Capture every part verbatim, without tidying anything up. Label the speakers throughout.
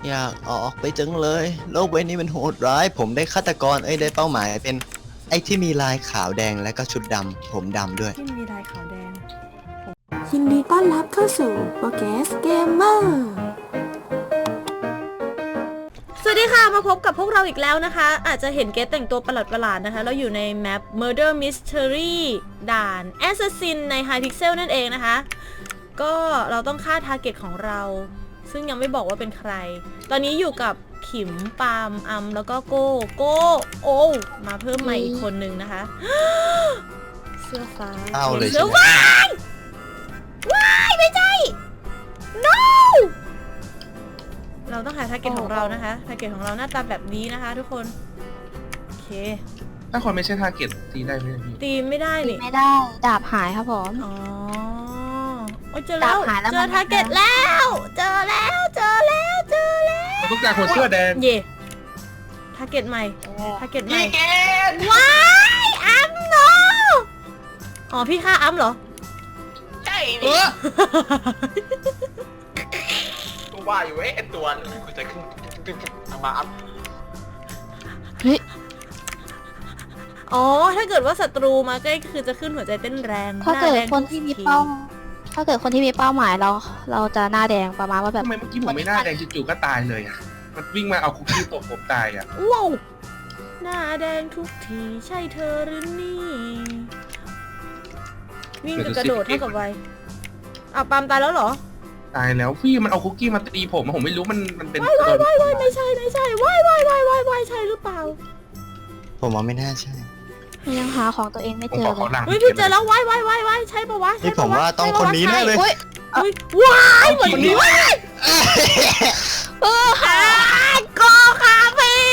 Speaker 1: อยากออกไปจังเลยโลกใบนี้มันโหดร้ายผมได้ฆาตกรเอ้ยได้เป้าหมายเป็นไอ้ที่มีลายขาวแดงและก็ชุดดำผมดำด้วย
Speaker 2: ที่มีลายขาวแดง
Speaker 3: ยินดีต้อนรับเข้าสู่โปรแกสเกมเมอร์
Speaker 2: สวัสดีค่ะมาพบกับพวกเราอีกแล้วนะคะอาจจะเห็นเกสแต่งตัวประหลาดๆนะคะเราอยู่ในแมป Murder Mystery ด่าน Assassin ใน High Pixel นั่นเองนะคะก็เราต้องฆ่าทาร์เก็ตของเราซึ่งยังไม่บอกว่าเป็นใครตอนนี้อยู่กับขิมปาล์มอัมแล้วก็โก้โก้โอ้มาเพิ่มใหม่อีกคนนึงนะคะ เสื้อฟ้า
Speaker 1: เอาเลย
Speaker 2: เสื้
Speaker 1: ใช่
Speaker 2: อ
Speaker 1: ไหม
Speaker 2: ว้ายว้ายไม่ใช่ no เราต้องหาทาร์เก็ตของเรานะคะทาร์เก็ตของเราหน้าตาแบบนี้นะคะทุกคนโอเค
Speaker 4: ถ้าคนไม่ใช่ทาร์เก็ตตีได้ไหมพี่
Speaker 2: ตีไม่ได้นี่
Speaker 3: ไม่ได้ดาบหายครับผม
Speaker 2: อ๋อโอ้ยเจอแล้ว
Speaker 3: ดาบหายแล้ว
Speaker 2: เจ
Speaker 3: มั
Speaker 2: อน ทาร์เก็ตแล้ว เจอแล้วเจอแล้วเจอแล้ว
Speaker 4: มันต้องการคนเสื้อแดง
Speaker 2: เย่ทาร์เก็ตใหม่ทาร์เก็ตใหม่
Speaker 4: เกต
Speaker 2: ว้ายอัมโนอ๋อพี่ฆ่าอัมเหรอ
Speaker 4: ใช่ดิก็ว่าอยู่ไอ้ตัวกูจะขึ้นทางมาอัพ
Speaker 3: เฮ้ย
Speaker 2: อ๋อถ้าเกิดว่าศัตรูมาใกล้คือจะขึ้นหัวใจเต้นแรง
Speaker 3: ถ้าเกิด
Speaker 2: หแรง
Speaker 3: คนที่มีเป้า ถ้าเกิดคนที่มีเป้าหมายเรา เราจะหน้าแดงประมาณว่าแบบ
Speaker 4: ทำไมเมื่อกี้ผมไม่หน้าแดงจู่ๆก็ตายเลยอ่ะมันวิ่งมาเอาคุกกี้ตบผมตายอ่ะ
Speaker 2: ว้าวหน้าแดงทุกทีใช่เธอหรือนี่วิ่งกับกระโดดเท่ากับไวอ้าวปาล์มตายแล้วเหรอ
Speaker 4: ตายแล้วพี่มันเอาคุกกี้มาตีผมผมไม่รู้มันมันเป็น
Speaker 2: ว้ายว้ายว้ายว้ายไม่ใช่ไม่ใช่ว้ายว้ายว้ายว้ายว้ายใช่หรือเปล่า
Speaker 1: ผมว่าไม่น่าใช่
Speaker 3: ยังหาของตัวเองไม่
Speaker 4: ผม
Speaker 3: เจ
Speaker 4: ข
Speaker 3: อ
Speaker 4: อขอ
Speaker 3: เลย
Speaker 4: หลัง
Speaker 2: เฮ้ยพี่เจอแล้วว้ายว้ายว้ายว้ายใช่ปะวะ
Speaker 1: นี่
Speaker 2: ใช่
Speaker 1: ผ
Speaker 2: ปะ
Speaker 1: ม
Speaker 2: วะ
Speaker 1: ว่าต้องคนนี้แน่เลย
Speaker 3: เฮ้ย
Speaker 2: เฮ้ยว้ายเหมือนนี้ว้าย
Speaker 3: เออหา
Speaker 2: โกคาเฟ่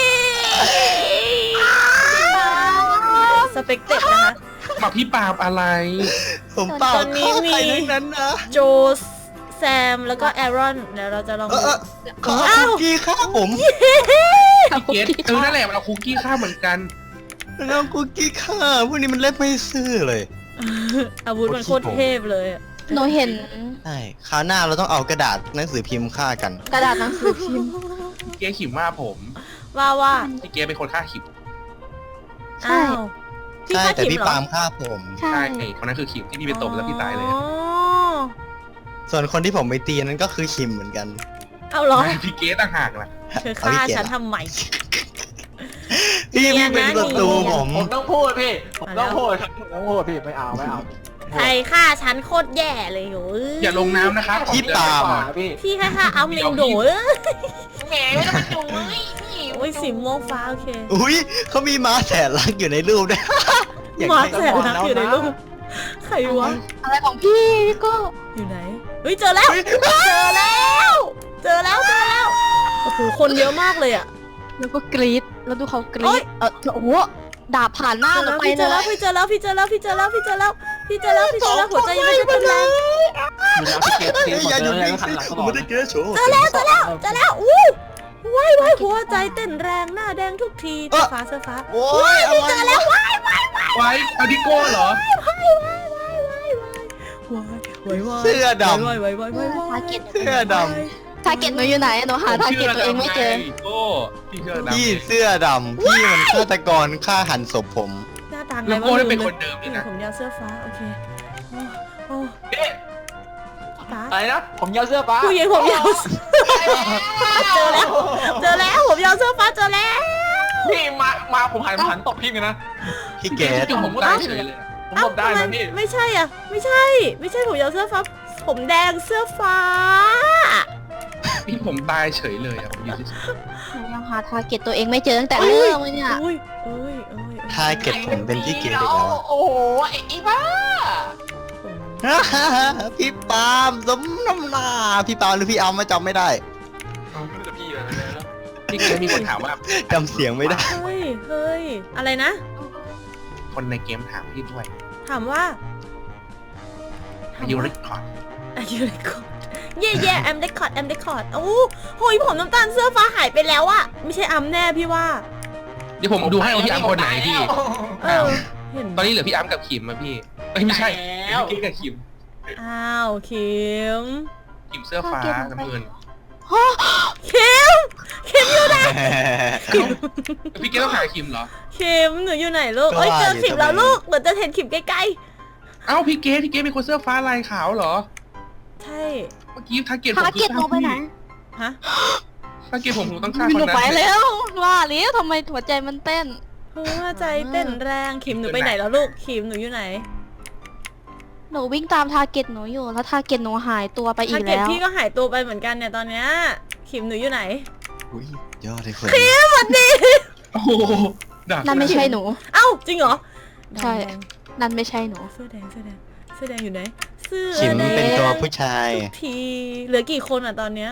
Speaker 2: สเปกเต็ดนะคะ
Speaker 4: มาพี่ปาบอะไร
Speaker 1: ผมเปล่า
Speaker 2: ตอนนี้
Speaker 1: ฆ่า
Speaker 2: มี
Speaker 1: ใครทั้งนั้นนะ
Speaker 2: โจแซมแล้วก็แอรอนเดี๋ยวเราจะลอง
Speaker 1: เอ
Speaker 2: ดู
Speaker 1: อเออขอคุกกี้ฆ่าผม
Speaker 4: พี่เกตเออนั่นแหละมันเอาคุกกี้ข้าวเหมือนกัน
Speaker 1: แล้วคุกกี้ฆ่าพวกนี้มันเล่นไม่ซื่อเลย
Speaker 2: อาวุธมันโคตรเทพเลยอะ
Speaker 3: หนูเห็น
Speaker 1: ใช่คราวหน้าเราต้องเอากระดาษหนังสือพิมพ์ฆ่ากัน
Speaker 3: กระดาษหนังสือพิมพ์
Speaker 4: พี่เกตขิมว่าผม
Speaker 2: ว่าว่า
Speaker 4: พี่เกตเป็นคนฆ่าขิม
Speaker 3: ใช่
Speaker 2: อ้าวพี่
Speaker 1: ใช่
Speaker 2: ฆ่า
Speaker 1: แต่
Speaker 2: ขิม
Speaker 1: พี่
Speaker 2: เหรอ
Speaker 1: ปาล์มฆ่าผม
Speaker 3: ใช่
Speaker 4: ใช่คนนั้นคือขิมที่พี่ไปตบแล้วพี่ตายเลย
Speaker 2: อ๋อ
Speaker 1: ส่วนคนที่ผมไปตีนั้นก็คือคิมเหมือนกัน
Speaker 2: เอาเหรอ
Speaker 4: ไม่พี่เกตต่างหากล่ะ
Speaker 2: เธอฆ่าฉันทำไม
Speaker 1: พี่
Speaker 2: เนีย
Speaker 1: ไม่
Speaker 2: น
Speaker 1: เป็น
Speaker 2: นะ
Speaker 1: ศัตรู
Speaker 2: เนียน
Speaker 1: ผม
Speaker 5: ผมต้องพูดพี่ ผม
Speaker 2: มาแล้
Speaker 5: ต้
Speaker 2: ว
Speaker 5: องพูดครับผมต้องพูดพี่ไม่เอาไม่เอา
Speaker 2: ใครฆ่าฉันโคตรแย่เลยโห
Speaker 4: อย่าลงน้ำนะครับ
Speaker 1: พี่ปาล์ม
Speaker 5: กว่าพี่
Speaker 2: พี่แค่ฆ่าเอาเมงโดเอ้ย
Speaker 5: แหมไม่ต้องมาจุ๋ย
Speaker 2: โอ้ยสีม่วงฟ้าโอเค
Speaker 1: อุ้ยเขามีม้าแสนรักอยู่ในรูปด้วย อยาก
Speaker 2: มา
Speaker 1: ได้
Speaker 2: แสนรักอยู่ในรูปใครวะ
Speaker 3: อะไรของพี่พี่ก็
Speaker 2: อยู่ไหนเฮ้ยเจอแล้ว เจอแล้ว เจอแล้วเจอแล้วโอ้โหคนเยอะมากเลยอะ
Speaker 3: แล้วก็กรี๊ดแล้วดูเขาก
Speaker 2: โอ๊
Speaker 3: รี๊
Speaker 2: ย
Speaker 3: ดเออโอ้โหดาบผ่านหน้า
Speaker 2: เจอ
Speaker 3: หนู
Speaker 2: แล้ว
Speaker 3: ไป
Speaker 2: พี่เจ
Speaker 3: เล
Speaker 2: อแล้ว
Speaker 3: ย
Speaker 2: พี่เจอแล้วพี่เจอแล้วพี่เจอแล้วพี่เจอแล้วพี่เจอแล้วพี่เจอแล้วหัวใจยังไม่เต้นแรง
Speaker 5: มีแล้วพี่เกตทีม
Speaker 1: อย่า
Speaker 5: เจ
Speaker 1: อยู่
Speaker 5: อแล้ว
Speaker 1: นิ่ง
Speaker 5: หัน
Speaker 1: สิ
Speaker 5: หลังต
Speaker 1: ผ
Speaker 5: ล
Speaker 1: ม
Speaker 5: อ
Speaker 1: ไม่
Speaker 5: ด
Speaker 1: ได้เจอโชว์
Speaker 5: เจอแล้วเจอแล้ว
Speaker 2: เจอแล้วอู้ว้ายว้ายหัวใจเต้นแรงหน้าแดงทุกทีเสื้อฟ้าเสื้อฟ้า
Speaker 1: โอ้ยอะไร
Speaker 2: เจอแล้วว้ายว้ายว้าย
Speaker 4: ไว้เอาดิโก้เหรอ
Speaker 2: ว้ายว้ายว้ายว้ายว้ายว้าย
Speaker 1: เสื้อด
Speaker 2: ว้ายว้ายว้ายว้ายว้าย
Speaker 3: ทาร์เก็ต
Speaker 1: ำเสื้อด
Speaker 3: ทาร์เก็ตหนูอยู่ไหนหนูหาทาร์เก็ตตัวเองไม่เจอ
Speaker 4: โก้พี่เชื่อ
Speaker 1: ำ
Speaker 4: ดำ
Speaker 1: พี่เสื้อดำพี่มันฆาตกรฆ่าหันศพผม
Speaker 2: หน้าตาไง
Speaker 4: แล้ว
Speaker 2: วะ
Speaker 4: โก้ได้
Speaker 2: ลื
Speaker 4: เป็น
Speaker 2: ลย
Speaker 4: คนเดิมเลยนะ
Speaker 2: ผมยาวเสื้อฟ้าโอเคโอ้โอ้
Speaker 5: เอ๊ะ
Speaker 2: ฟ้า
Speaker 5: อะไรนะ ผมยาวเสื้อฟ้า
Speaker 2: ผู้หญิงผมยาวเจอแล้วเจอแล้วผมยาวเสื้อฟ้าเจอแล้ว
Speaker 5: พี่มามาผมหันหันตบพี่เลยนะ
Speaker 1: พี่เก
Speaker 4: เก
Speaker 1: ด
Speaker 4: ตผมก็ได้เฉยเลย
Speaker 5: ผมตบได้
Speaker 2: เอ้า
Speaker 5: นะ
Speaker 2: ทำม
Speaker 5: พี่
Speaker 2: ไม่ใช่อ่ะ ไม่ใช่ ไม่ใช่ผมยาวเสื้อฟ้า ผมแดงเสื้อฟ้า
Speaker 4: พี่ผมตายเฉยเลยอะผมยืนเฉย
Speaker 3: หนูยังหาทาร์เก็ตตัวเองไม่เจอตั้งแต่เริ่มเลยเนี่ย
Speaker 2: อุ้ยอุ้ยอุ้ย
Speaker 1: ทาเก็ตผมเป็นพี่เกดอีกแล้ว
Speaker 5: โอ้โหไอ้อีบ้า
Speaker 1: พี่ปาล์มสมน้ำหน้าพี่ปาล์มหรือพี่อัมมาจำไม่ได้
Speaker 5: ๆเอาไม่รู้จะพี่เลยนะ
Speaker 4: ๆพี่เกตมีคนถามว่า
Speaker 1: จำเสียงไม่ได้
Speaker 2: เฮ้ย เฮ้ย อะไรนะ
Speaker 4: คนในเกมถามพี่ด้วย
Speaker 2: ถามว่า
Speaker 4: อายุริคอร์ด
Speaker 2: อายุเรคคอร์ดเย่เย่แอมเรคคอร์ดแอมเรคคอร์ดโอ้โหยผมน้ำตาลเสื้อฟ้าหายไปแล้วอะไม่ใช่อัมแน่พี่ว่า
Speaker 4: เดี๋ยวผมดูให้ว่าพี่อัมคนไหนพี่
Speaker 2: เออ เห็น
Speaker 4: ตอนนี้เหลือพี่อัมกับขิมอะพี่เอ้ยไม่ใช่พี่เกตกับขิม
Speaker 2: อ้าวคิม
Speaker 4: ขิมเสื้อฟ้าน้ำเงิน
Speaker 2: คิม
Speaker 6: พี่เกดต้องหาคิมเหรอ
Speaker 2: ขิมหนูอยู่ไหนลูกเอ้ยเจอขิมแล้วลูกเหมือนจะเห็นขิมใกล้
Speaker 6: เอ้าพี่เกดพี่เกดเป็นคนเสื้อฟ้าลายขาวเหรอ
Speaker 2: ๆใช่
Speaker 6: เมื่อกี้ทาร์เก็ตผม
Speaker 3: ทาร์เก็ตหนูไปไหน
Speaker 2: ฮะ
Speaker 6: ทาร์เก็ตผมผมต้องฆ่า
Speaker 3: ห
Speaker 6: คน
Speaker 3: นู
Speaker 6: นั้น
Speaker 3: ไปแล้วว่าแล้วทำไมหัวใจมันเต้น
Speaker 2: หัวใจเต้นแรงขิมหนูไปไหนแล้วลูกขิมหนูอยู่ไหน
Speaker 3: หนูวิ่งตามทาร์เก็ตหนูอยู่แล้วทาร์เก็ตหนูหายตัวไปอี
Speaker 2: ถ้าก เก็บ
Speaker 3: แล้ว
Speaker 2: พี่ก็หายตัวไปเหมือนกันเนี่ยตอนเนี้ยขิมหนูอยู่ไหน
Speaker 1: อุ้ยยอดเลยคน
Speaker 2: สวัสดี
Speaker 6: โอ้โหดัก
Speaker 3: นั่นไม่ใช่หนู
Speaker 2: เอ้าจริงเหรอ
Speaker 3: ใช่
Speaker 2: แดง
Speaker 3: นั่นไม่ใช่หนู
Speaker 2: ๆเสื้อแดงเสื้อแดงเสื้อแดงอยู่ไหนเสื้อ
Speaker 1: ขิม
Speaker 2: แดง
Speaker 1: เป็นตัวผู้ชาย
Speaker 2: ทุกทีเหลือกี่คนอ่ะตอนเนี้ย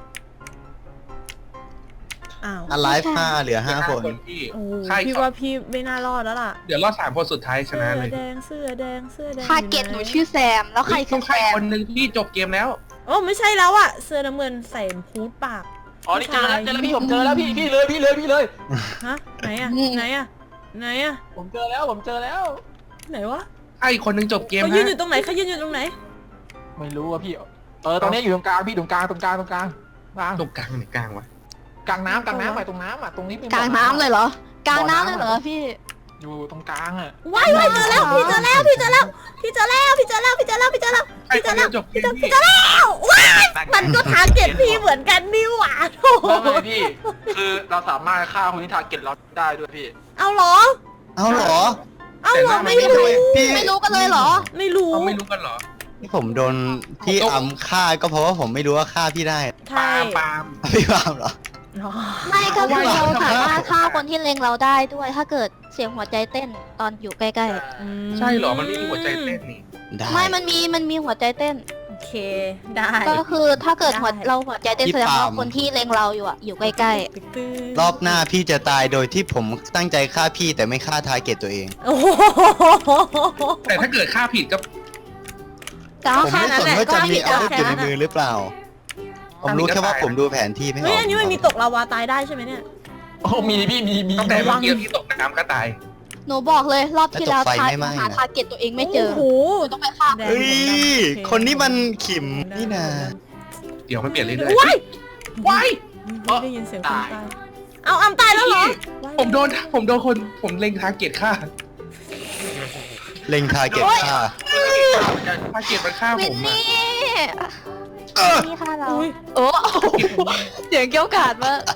Speaker 2: อ้าว
Speaker 1: อ l i ฟ e ห้าเหลือห้าคน
Speaker 6: พี่
Speaker 2: โอ้โห
Speaker 6: ใช่
Speaker 2: พี่ว่าพี่ไม่น่ารอดแล้วล่ะ
Speaker 6: เดี๋ยวรอดสามคนสุดท้ายช
Speaker 2: เสื้
Speaker 6: นะ
Speaker 2: อ
Speaker 6: เลย
Speaker 2: แดงเสื้อแดงเสื้อแดง
Speaker 3: ทาร์เก็ตหนูชื่อแซม แล้วใครคื
Speaker 6: ต้อ
Speaker 3: อง แซ
Speaker 6: ใคร
Speaker 3: ม
Speaker 6: คนหนึ่งที่จบเกมแล้ว
Speaker 2: โอ้ไม่ใช่แล้วอ่ะเสื้อน้ำเงินใส่ฮูดปาก
Speaker 5: อ๋อนี่เจอแล้วเจอแล้วพี่ผมเจอแล้วพี่พี่เลยพี่เลยพี่เลย
Speaker 2: ฮะไหนอ่ะไหนอ่ะไหนอ่ะ
Speaker 5: ผมเจอแล้วผมเจอแล้ว
Speaker 2: ไหนวะ
Speaker 6: ใครคนหนึ่งจบเกม
Speaker 2: เขายืน
Speaker 6: ฮะ
Speaker 2: อยู่ตรงไหนเขายืนอยู่ตรงไหน
Speaker 5: ไม่รู้อะพี่เออตรงนี้อยู่ตรงกลางพี่ตรงกลางตรงกลางตรงกลางกลาง
Speaker 6: ตรงกลางไหนกลางวะ
Speaker 5: กลางน้ำกลางน้ำไปตรงน้ำอ่ะตรงนี้เป็น
Speaker 3: กลางน้ำเลยเหรอ กลางน้ำเลยเหรอพี่
Speaker 5: อยู่ตรงกลางอ่ะ
Speaker 2: ว้ายว้ายเจอแล้วพี่เจอแล้วพี่เจอแล้วพี่เจอแล้วพี่เจอแล้วพี่เจอแล้วพี่เจอแล้ว
Speaker 6: ใครคนหนึ่งจบเกมพี่
Speaker 2: แล้วว้ายมันก็ทาร์เก็ตพี่เหมือนกันนี่หว่าโถ่
Speaker 5: ไม่ไม่พี่คือเราสามารถฆ่าคนที่ทาร์เก็ตเราได้ด้วยพี่
Speaker 2: เอาเหรอ
Speaker 1: เอาเหรอ
Speaker 2: เอาเหรอ
Speaker 6: แต่หน้ามัน
Speaker 2: ไม่
Speaker 6: ไม่
Speaker 2: รู้
Speaker 1: พี่
Speaker 3: ไม่รู้กันเลยเหรอ
Speaker 2: ไม่รู้
Speaker 6: เขาไม่รู้กันเหรอ
Speaker 1: ที่ผมโดนพี่อัมฆ่าก็เพราะว่าผมไม่รู้ว่าฆ่าพี่ได้
Speaker 2: ใช่
Speaker 6: ปาล์ม
Speaker 1: พี่ปาล์มเหรอ
Speaker 2: อ๋อ
Speaker 3: ไม่ก็คือ
Speaker 6: เพราะ
Speaker 3: เรา
Speaker 6: ว่า
Speaker 3: สามารถฆ่าคนที่เล็งเราได้ด้วย ถ้าเกิดเสียงหัวใจเต้นตอนอยู่ใกล้
Speaker 2: อื
Speaker 6: ใช่เหรอ มันไม่มีหัวใจเต้นนี่
Speaker 1: ได้
Speaker 3: ๆ ไม่ มันมี มันมีหัวใจเต้น
Speaker 2: โอเคได้
Speaker 3: ก็คือถ้าเกิดหัว
Speaker 2: ได้
Speaker 3: เราหัวใจเต้นแสดงว่าคนที่เล็งเราอยู่อะอยู่ใกล้
Speaker 2: ตื้อ
Speaker 1: รอบหน้าพี่จะตายโดยที่ผมตั้งใจฆ่าพี่แต่ไม่ฆ่าทาร์เก็ตตัวเอง
Speaker 2: โอ้โห
Speaker 6: แต่ถ้าเกิดฆ่าผิดก็
Speaker 3: ๆแต่
Speaker 1: ผ
Speaker 3: ว่าม
Speaker 1: ไม่สนว่าจะมีอาวุธอยู่ใน
Speaker 2: แค่นั้นแหละ
Speaker 1: มือหรือเปล่า ผมรู้แค่ว่าผมดูแผนที่ไม่ออก
Speaker 2: เฮ้ยอันนี้มันมีตกลาวาตายได้ใช่ไหมเนี่ย
Speaker 5: โอ้มีพี่มีมี
Speaker 6: ตั้งแต่เมื่อกี้ที่ตกน้ำก็ตาย
Speaker 3: หนูบอกเลยรอบที่แล้ว
Speaker 1: แล้วตกไฟ
Speaker 3: ทา
Speaker 1: ไม่ไหม้
Speaker 3: หา
Speaker 1: นะ
Speaker 3: ทาร์เก็ตตัวเองไม่เจอ
Speaker 2: โอ้โห
Speaker 3: หนูต้องไปฆ่า
Speaker 2: แดง
Speaker 1: เฮ้ย
Speaker 2: ดำโอเ
Speaker 1: คนนี้มันขิมนี่นา
Speaker 6: เดี๋ยวมันเปลี่ยนเรื่อย
Speaker 2: ว้าย
Speaker 6: ๆว้าย
Speaker 2: ไม่ได้ยินเสียงคนตาย เอาอำตายแล้วเหรอ
Speaker 6: ผมโดน ผมโดนคน ผมเล็งทาร์เก็ตฆ่า
Speaker 1: เล็งทาร์เก็ตฆ่า
Speaker 6: ทาร์เก็ตมันฆ่า
Speaker 3: วิ
Speaker 6: ผ
Speaker 3: น
Speaker 6: มอะ
Speaker 3: นี่
Speaker 1: เออ
Speaker 3: นี่ค่ะเรา
Speaker 2: อุ๊ย
Speaker 3: โอ้เสียงเกี้ยวกาดมาก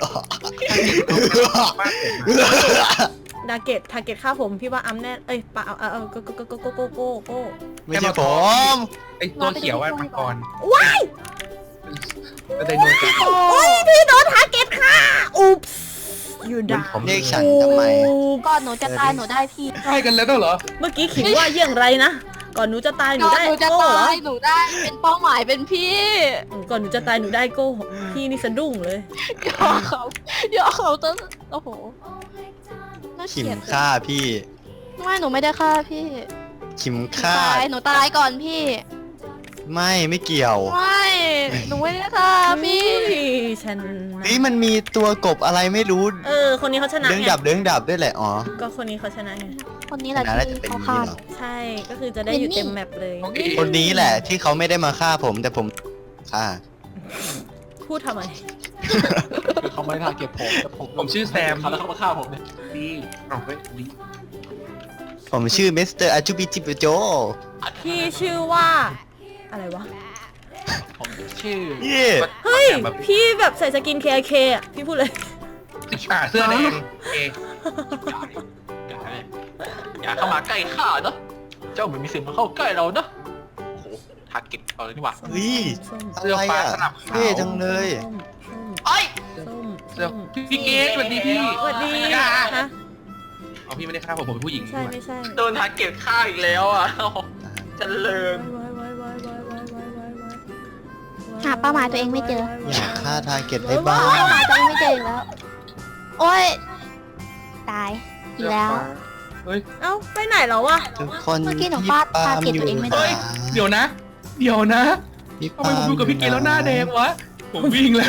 Speaker 6: มาก
Speaker 2: ดาเกตทาเกตฆ่าผมพี่ว่าอัมแน่เอ้ยปะเอาเอาเอาโกโกโกโกโกโกโกโก
Speaker 1: ไม่ใช่ผม
Speaker 6: ไอตัวเขียวว่ามังกร
Speaker 2: ว้าย
Speaker 6: แต่ไดโนเสาร์
Speaker 2: โอ้ยพี่โดนทาเกตฆ่าอุ๊บอยู่ด่า
Speaker 1: เรียกฉันทำไม
Speaker 3: ก่อนหนูจะตายหนูได้พี่
Speaker 6: ใช่กันแล้วเหรอ
Speaker 2: เมื่อกี้ขิงว่าเยี่ยงไรนะ ก่อนหนูจะตายหนู
Speaker 3: ก่อน
Speaker 2: ได้
Speaker 3: หนูจะ
Speaker 2: โก้เหรอ
Speaker 3: ตายหนูได้เป็นเป้าหมายเป็นพี่
Speaker 2: อืมก่อนหนูจะตายหนูได้โก้พี่นี่สะดุ้งเลย
Speaker 3: ยอเขายอเขาต้นโอ้โหน่า
Speaker 1: ขิ
Speaker 3: เก
Speaker 1: ม
Speaker 3: ลียด
Speaker 1: ฆ่าพี่
Speaker 3: ไม่หนูไม่ได้ฆ่าพี่
Speaker 1: ขิม
Speaker 3: หนู
Speaker 1: ฆ่า
Speaker 3: ตายหนูตายก่อนพี่
Speaker 1: ไม่ไม่เกี่ยว
Speaker 3: ไม่หนูไม่ได้ฆ่าพี่
Speaker 2: พี่ฉันนะ
Speaker 1: นี่มันมีตัวกบอะไรไม่รู้
Speaker 2: เออ คนนี้เขาชนะ
Speaker 1: เรื่อง
Speaker 2: ไง
Speaker 1: ดับเรื่องดับด้วยแหละอ๋อ
Speaker 2: ก็คนนี้เขาชนะไง
Speaker 3: คนนี้แหละ
Speaker 1: น่าจะ
Speaker 3: ที่
Speaker 1: เป็น
Speaker 3: เขา
Speaker 1: นี่
Speaker 3: ฆ่า
Speaker 1: เหรอ
Speaker 2: ใช่ ก็คือจะได้อยู่เต็มแมปเลย
Speaker 6: โอเค
Speaker 1: คนนี้แหละที่เขาไม่ได้มาฆ่าผมแต่ผมฆ่า
Speaker 2: พูดทำไม
Speaker 5: คือเขาไม่ได้ทาร์เก็ตผมแต่ผม
Speaker 6: ผมชื่อแซม
Speaker 5: เขาแล้วเขามาฆ่าผมเนี่ย
Speaker 6: ดีเอาเฮ้ยดี
Speaker 1: ผมชื่อมิสเตอร์อาจูบิจิปโจ
Speaker 2: พี่ชื่อว่า อะไรวะ
Speaker 5: ผมชื่อ
Speaker 1: เย่
Speaker 2: เฮ้ย
Speaker 6: แบบ
Speaker 2: พี่แบบใส่สกิน เค เคอ่ะ พี่พูดเลย
Speaker 6: อ่าเสื้อแดงเอ
Speaker 5: อย่าเลยอย่าเข้ามาใกล้ข้าเนาะเจ้าเหมือนมีสิ่งมาเข้าใกล้เราเนาะโอ้โหทาร์เก็ตเอาเลยนี่หว่า
Speaker 1: เฮ้ย
Speaker 2: ส้ม
Speaker 6: เสื้อฟ้าสลับขาว
Speaker 1: เท่จังเลย
Speaker 2: ส้มส้ม
Speaker 5: เอ้ย
Speaker 2: ส้ม
Speaker 6: เสื้อ
Speaker 2: ส้ม
Speaker 6: พี่เกสสวัสดีพี่
Speaker 2: สวัสดี
Speaker 6: อ่า
Speaker 2: ฮะ
Speaker 6: เอาพี่ไม่ได้ฆ่าผมผมเป็นผู้หญิง
Speaker 2: ใช่
Speaker 6: ด้วย
Speaker 2: ไม่ใช่
Speaker 5: โดนทาร์เก็ตฆ่าอีกแล้วอ่ะเจริญ
Speaker 2: วายวายวายวายวายวายวายวาย
Speaker 3: หาเป้าหมายตัวเองไม่เจอ
Speaker 1: อยากฆ่าทาร์เก็ตได้บ้าง
Speaker 3: เป้าหมายตัวเองไม่เจออีกแล้ว โอ้ย ตายอีกแล้ว
Speaker 6: เฮ้ย
Speaker 2: เอ้าไปไหนแล้ววะ
Speaker 1: ทุกคน
Speaker 3: เมื่อกี้หนู
Speaker 1: พี่
Speaker 3: ฟาด
Speaker 1: ปาล์ม
Speaker 3: ทาร์เก็ต
Speaker 1: อยู่
Speaker 3: ตัวเองไม่ได้
Speaker 6: เฮ้ย เดี๋ยวนะ เดี๋ยวนะ
Speaker 1: พี่
Speaker 6: ทำไมผมดูกับพี่เกสแล้วหน้าแดงวะ ผมวิ่งแล้ว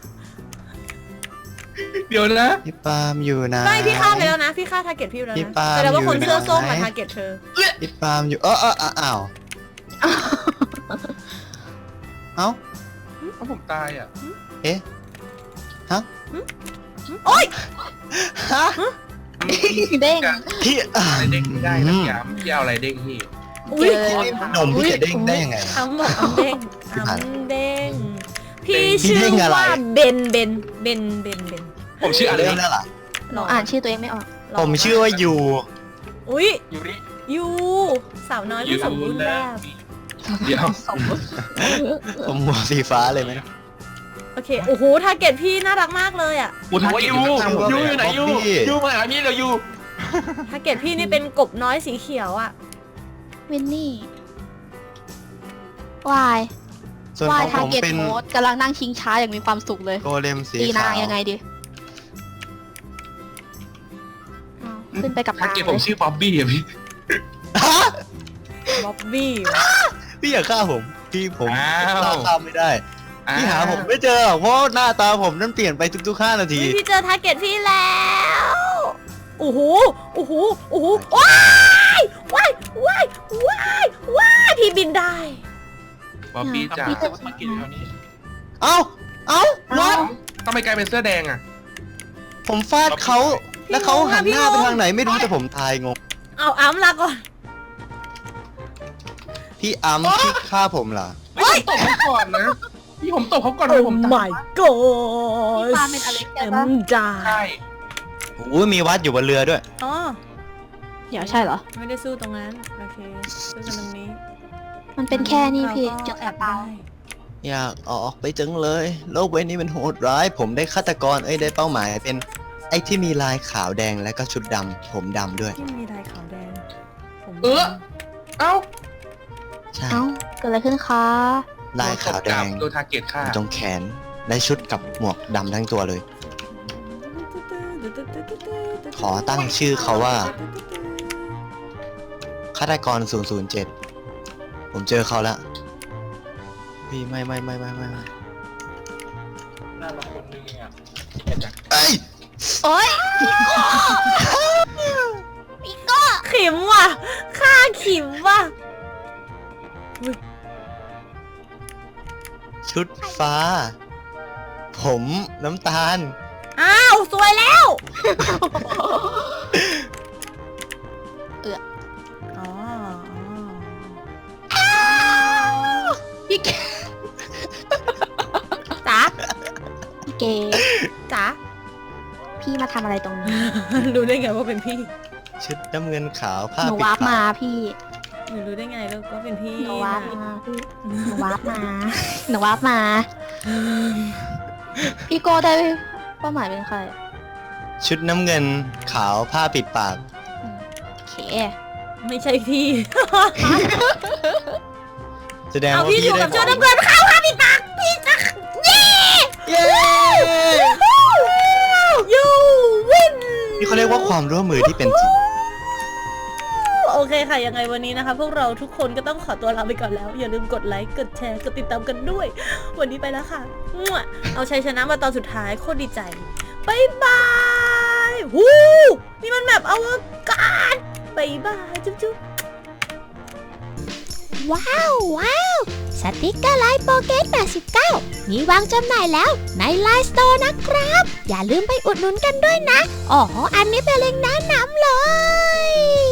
Speaker 6: เดี๋ยวนะ
Speaker 1: พี่ปาล์มอยู่นะ
Speaker 2: ไม่พี่ฆ่าไปแล้วนะ พี่ฆ่าทาร์เก็ตพี่ไปแล้ว
Speaker 1: พี่
Speaker 2: นะ
Speaker 1: ปาล์ม
Speaker 2: แสดงว่าคน
Speaker 1: อยู่
Speaker 2: เสื้อส้ม
Speaker 1: ไหน
Speaker 2: มาทาร์เก็ตเธอ
Speaker 1: พี่ปาล์มอยู่เออเออเอออ้าวเอ้า
Speaker 6: เพราะผมตายอ่ะ
Speaker 1: เอ๊ะฮะ
Speaker 2: โอ๊ย
Speaker 1: ฮะ
Speaker 3: เด้ง
Speaker 1: พี่อ่า
Speaker 6: อะไรเด้งไม่ได้นะพี่อามพี่เอาอะไรเด้งพี่
Speaker 2: อุ้ย
Speaker 3: เจอ
Speaker 1: นมพี่จะเด้งได้ยังไง
Speaker 2: อ้ำบอกอ้ำเด้งอ้ำเด้งพี่
Speaker 1: พี่
Speaker 2: ชื่อ
Speaker 1: เด้งอะไร
Speaker 2: ว่าเบนเบนเบนเบนเบน
Speaker 6: ผมชื่ออะไร
Speaker 1: เริ่มแล้วล่ะ
Speaker 3: หนูอ่านชื่อตัวเองไม่ออก
Speaker 1: ผมชื่อว่ายู
Speaker 2: อุ้ย
Speaker 5: ยูริ
Speaker 2: ยูสาวน้อยผู้สมบูรณ์แบบ
Speaker 6: เดี๋ยว
Speaker 1: ผมหัวสีฟ้าเลยไหม
Speaker 2: โอเคโอ้โหทาร์เก็ตพี่น่ารักมากเลยอะ
Speaker 6: กูทัก
Speaker 5: โอ้ย
Speaker 6: เก็ต
Speaker 5: ยู
Speaker 6: อยู่ข้างๆ
Speaker 5: ยู
Speaker 6: เล
Speaker 5: อยู่
Speaker 6: ย
Speaker 5: ไหน
Speaker 6: อะ
Speaker 5: ยู
Speaker 1: พี่
Speaker 5: ยูมาหาพี่เดี๋ยวยู
Speaker 2: ทาร์เก็ตพี่นี่เป็นกบน้อยสีเขียวอะ
Speaker 3: วินนี่วาย
Speaker 1: ส่วน
Speaker 3: วา
Speaker 1: ข
Speaker 3: ย
Speaker 1: อง
Speaker 3: ทา
Speaker 1: ผ
Speaker 3: ร์
Speaker 1: ม
Speaker 3: เก็ต
Speaker 1: เป็น
Speaker 3: โค้ดกำลังนั่งชิงช้าอย่างมีความสุขเลย
Speaker 1: โกเลมสี
Speaker 3: ตีนา
Speaker 1: ขาง ว
Speaker 3: ยังไงดีอ้าวขึ้นไปกับ
Speaker 6: ทัก
Speaker 3: นาง
Speaker 6: เก็ต
Speaker 3: เล
Speaker 6: ผม
Speaker 3: ย
Speaker 6: ชื่อบ๊อบบี้อะพี่
Speaker 1: ฮะ
Speaker 2: บ๊อบบี้
Speaker 1: พี่อย่าฆ่าผม พี่ผม
Speaker 6: อ้าว
Speaker 1: ฆ่าข้ามไม่ได้ พี่หาผมไม่เจอหรอกเพราะหน้าตาผมนั่นเปลี่ยนไปทุกๆห้านาที
Speaker 2: เฮ้ยพี่เจอทาร์เก็ตพี่แล้วโอ้โหโอ้โหโอ้โหว้ายว้ายว้ายว้ายว้ายพี่บินได้
Speaker 6: บ๊อบบี้จ้า
Speaker 3: พี่จะ
Speaker 5: มากินแถวนี้
Speaker 1: เอ้า เอ้าวัด
Speaker 6: ทำไมกลายเป็นเสื้อแดงอะ
Speaker 1: ผมฟาดเขา แล้วเขาหันหน้าไปทางไหนไม่รู้แต่ผมตายงง
Speaker 2: เอาอ้ำลาก่อน
Speaker 1: พี่อัมพี่ฆ่าผมเหรอ
Speaker 6: เฮ้ยผมตบเขาก่อนนะ พี่ผมตบเขาก่อนเลยผมตาย
Speaker 2: my god
Speaker 3: พี่ปาเป็นอเล็ก
Speaker 2: เอ็
Speaker 3: ใช่
Speaker 2: ม
Speaker 3: ปะ
Speaker 2: จ้า
Speaker 6: ใช่
Speaker 1: โอ้ยมีวัดอยู่บนเรือด้วย
Speaker 2: อ๋อ
Speaker 3: เดี๋ยวใช่เหรอ
Speaker 2: ไม่ได้สู้ตรงนั้น โอเค สู้กันตรงนี้
Speaker 3: มันเป็นแค่นี้พี่
Speaker 2: เรา
Speaker 3: เจ
Speaker 2: ก็
Speaker 3: อ
Speaker 2: แอ
Speaker 3: แอ
Speaker 2: บบ
Speaker 3: เปล่า
Speaker 2: ได้
Speaker 1: อยากออกไปจังเลย โลกใบนี้มันโหดร้าย ผมได้ฆาตกร เอ้ยได้เป้าหมายเป็นไอ้ที่มีลายขาวแดงและก็ชุดดำผมดำด้วย
Speaker 2: ที่มีลายขาวแดงผม
Speaker 6: เออ เอ้า
Speaker 1: ใช่
Speaker 3: เอ้าเกิดอะไรขึ้นคะ
Speaker 1: ลายขาวแดง
Speaker 6: โดนทาร์เก็ตฆ่า
Speaker 1: ตรงแขนและชุดกับหมวกดำทั้งตัวเลย ขอตั้งชื่อเขาว่าฆาตกร ศูนย์ ศูนย์ เจ็ด ผมเจอเขาแล้วพี่ไม่ไม่ไม่ไม่ไม่ไม่
Speaker 5: หน้าเราคนนึงเองอ่ะ
Speaker 1: เอ้ย
Speaker 3: โอ๊ย
Speaker 2: ขิมว่ะฆ่าขิมว่ะ
Speaker 1: ชุดฟ้า ผมน้ำตาล
Speaker 2: อ้าว สวยแล้ว
Speaker 3: เอือ
Speaker 2: อ๋อ
Speaker 3: พี่เก
Speaker 2: จ๋า
Speaker 3: พี่เก
Speaker 2: จ๋า
Speaker 3: พี่มาทำอะไรตรงนี้
Speaker 2: รู้ได้ไงว่าเป็นพี่
Speaker 1: ชุดน้ำเงินขาวผ้า
Speaker 3: หนู
Speaker 1: ปิด
Speaker 3: วาร์ป
Speaker 1: ปาม
Speaker 3: าก พี่
Speaker 2: หนูรู้ได้ไงแล้วก็เป็นพี่
Speaker 3: หนูวาร์ปมาพี่หนูวาร์ปมาหนูวาร์ปมา พี่โก้ได้เป้าหมายเป็นใคร
Speaker 1: ชุดน้ำเงินขาวผ้าปิดปาก
Speaker 3: โอเค
Speaker 2: ไม่ใช่พี่
Speaker 1: แสดง
Speaker 2: เอา
Speaker 1: ว่า
Speaker 2: พี่
Speaker 1: พี่
Speaker 2: อยู่
Speaker 1: ได้
Speaker 2: กับชุดน้ำเงินขาวค่ะพี่ตักพี่ตักเย้
Speaker 1: เย้
Speaker 2: ยูวิน
Speaker 1: นี่เขาเรียกว่าความร่วมมือที่เป็นจริง
Speaker 2: โอเคค่ะ ยังไงวันนี้นะคะ พวกเราทุกคนก็ต้องขอตัวลาไปก่อนแล้ว อย่าลืมกดไลค์ กดแชร์ กดติดตามกันด้วย วันนี้ไปแล้วค่ะมั่วเอาชัยชนะมาตอนสุดท้ายโคตรดีใจบายบายฮู้นี่มันแบบอวกาศบายบายจุ๊บจุ๊บ
Speaker 7: ว้าวว้าวสติกเกอร์ไลน์โปเกตแปดสิบเก้ามีวางจำหน่ายแล้วในไลน์สโตร์นะครับ อย่าลืมไปอุดหนุนกันด้วยนะอ๋ออันนี้เป็นเล็งก์แนะนำเลย